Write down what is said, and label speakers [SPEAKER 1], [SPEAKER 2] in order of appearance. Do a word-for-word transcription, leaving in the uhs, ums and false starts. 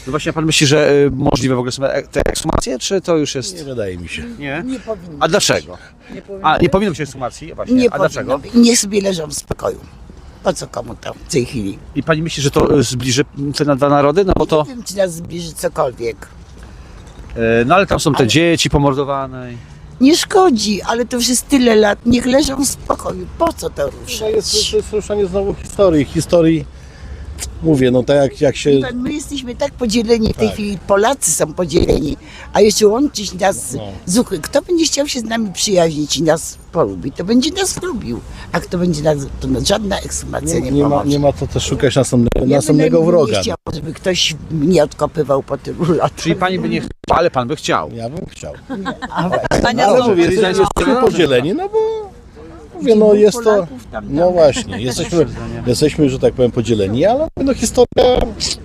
[SPEAKER 1] No właśnie, a pan myśli, że y, możliwe w ogóle są e- te ekshumacje, czy to już jest...
[SPEAKER 2] Nie wydaje mi się.
[SPEAKER 1] Nie?
[SPEAKER 3] Nie powinno
[SPEAKER 1] A dlaczego?
[SPEAKER 3] Nie powinno,
[SPEAKER 1] A, nie powinno być ekshumacji? Właśnie.
[SPEAKER 3] nie
[SPEAKER 1] A dlaczego?
[SPEAKER 3] powinno być. Niech sobie leżą w spokoju. Po co komu tam w tej chwili?
[SPEAKER 1] I pani myśli, że to y, zbliży te na dwa narody? No bo to...
[SPEAKER 3] Nie wiem, czy nas zbliży cokolwiek.
[SPEAKER 1] y, No ale tam są te dzieci pomordowane. i-
[SPEAKER 3] Nie szkodzi, ale to już jest tyle lat. Niech leżą w spokoju. Po co to
[SPEAKER 2] To
[SPEAKER 3] ruszać?
[SPEAKER 2] jest, to jest ruszanie znowu historii. Historii, mówię, no tak jak, jak się...
[SPEAKER 3] Wie pan, my jesteśmy tak podzieleni w tej
[SPEAKER 2] Tak.
[SPEAKER 3] chwili, Polacy są podzieleni, a jeszcze łączyć nas
[SPEAKER 2] No.
[SPEAKER 3] z Ukrainą. Kto będzie chciał się z nami przyjaźnić i nas polubić, to będzie nas lubił. A kto będzie nas, to no, żadna ekshumacja nie,
[SPEAKER 2] Nie, nie, ma,
[SPEAKER 3] pomoże.
[SPEAKER 2] nie ma co też szukać następnego,
[SPEAKER 3] Ja
[SPEAKER 2] następnego
[SPEAKER 3] bynajmniej
[SPEAKER 2] wroga.
[SPEAKER 3] nie chciał, żeby ktoś mnie odkopywał po tylu latach.
[SPEAKER 1] Czyli pani by nie chciała, ale pan by chciał.
[SPEAKER 2] Ja bym chciał.
[SPEAKER 3] A właśnie.
[SPEAKER 4] Ania
[SPEAKER 2] Ale
[SPEAKER 4] znowu
[SPEAKER 2] mówię,
[SPEAKER 1] Czyli
[SPEAKER 2] jesteśmy
[SPEAKER 1] zdaniem-
[SPEAKER 2] podzieleni, no bo... Mówię, no jest to...
[SPEAKER 3] Polaków tam, tam.
[SPEAKER 2] No właśnie, jesteśmy, jesteśmy, że tak powiem, podzieleni, ale no historia